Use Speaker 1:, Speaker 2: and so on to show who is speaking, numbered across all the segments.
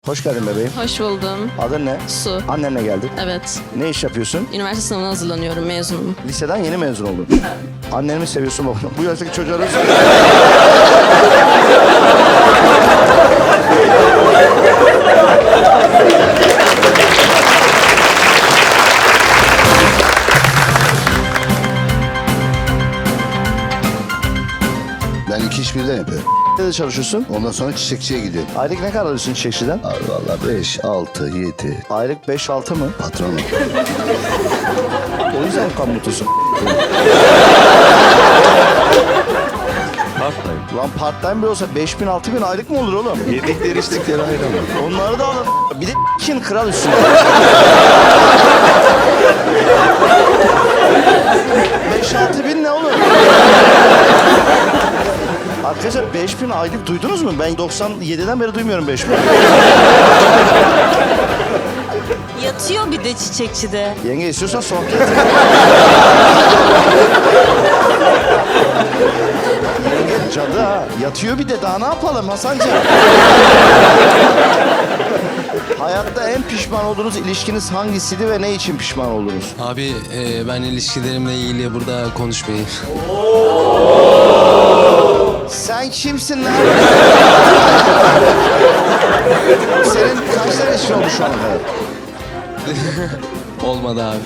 Speaker 1: Hoş geldin bebeğim.
Speaker 2: Hoş buldum.
Speaker 1: Adın ne?
Speaker 2: Su.
Speaker 1: Annenle geldik.
Speaker 2: Evet.
Speaker 1: Ne iş yapıyorsun?
Speaker 2: Üniversite sınavına hazırlanıyorum. Mezunum.
Speaker 1: Liseden yeni mezun oldun. Anneni mi seviyorsun babanı? Bu yaştaki çocuğa nasıl?
Speaker 3: Ben iki iş birden yapıyorum.
Speaker 1: Nerede çalışıyorsun?
Speaker 3: Ondan sonra çiçekçiye gidiyorum.
Speaker 1: Aylık ne kadar alıyorsun çiçekçiden?
Speaker 3: Abi valla 5, 6, 7.
Speaker 1: Aylık 5-6 mı?
Speaker 3: Patronum.
Speaker 1: O yüzden kan mutlusun. Lan part time bile olsa 5.000-6.000 aylık mı olur oğlum?
Speaker 3: Yedikleri içtikleri ayrı ama.
Speaker 1: Onları da alın. Bir de için kral üstüne. 5-6 bin ne oğlum? Arkadaşlar 5.000 aylık duydunuz mu? Ben 97'den beri duymuyorum 5.000.
Speaker 4: Yatıyor bir de çiçekçide.
Speaker 1: Yenge istiyorsan sohbet. Yenge cadı ha. Yatıyor bir de daha ne yapalım Hasancığım? Hayatta en pişman olduğunuz ilişkiniz hangisiydi ve ne için pişman oldunuz?
Speaker 5: Abi ben ilişkilerimle ilgili burada konuşmayayım.
Speaker 1: Sen kimsin lan? Senin kaç tane eşin oldu şu anda?
Speaker 5: Olmadı abi.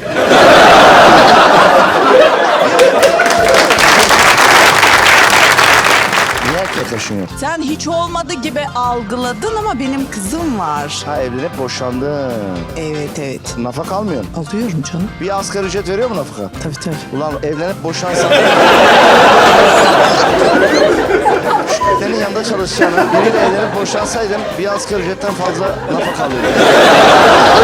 Speaker 1: Niye erkekleşin yok?
Speaker 6: Sen hiç olmadı gibi algıladın ama benim kızım var.
Speaker 1: Ha evlenip boşandın.
Speaker 6: Evet.
Speaker 1: Nafaka almıyorsun.
Speaker 6: Alıyorum canım.
Speaker 1: Bir asgari ücret veriyor mu nafaka?
Speaker 6: Tabii.
Speaker 1: Ulan evlenip boşansan... Senin yanında çalışacağına biriyle evlenip boşansaydın bir asgari ücretten fazla nafaka alıyordun.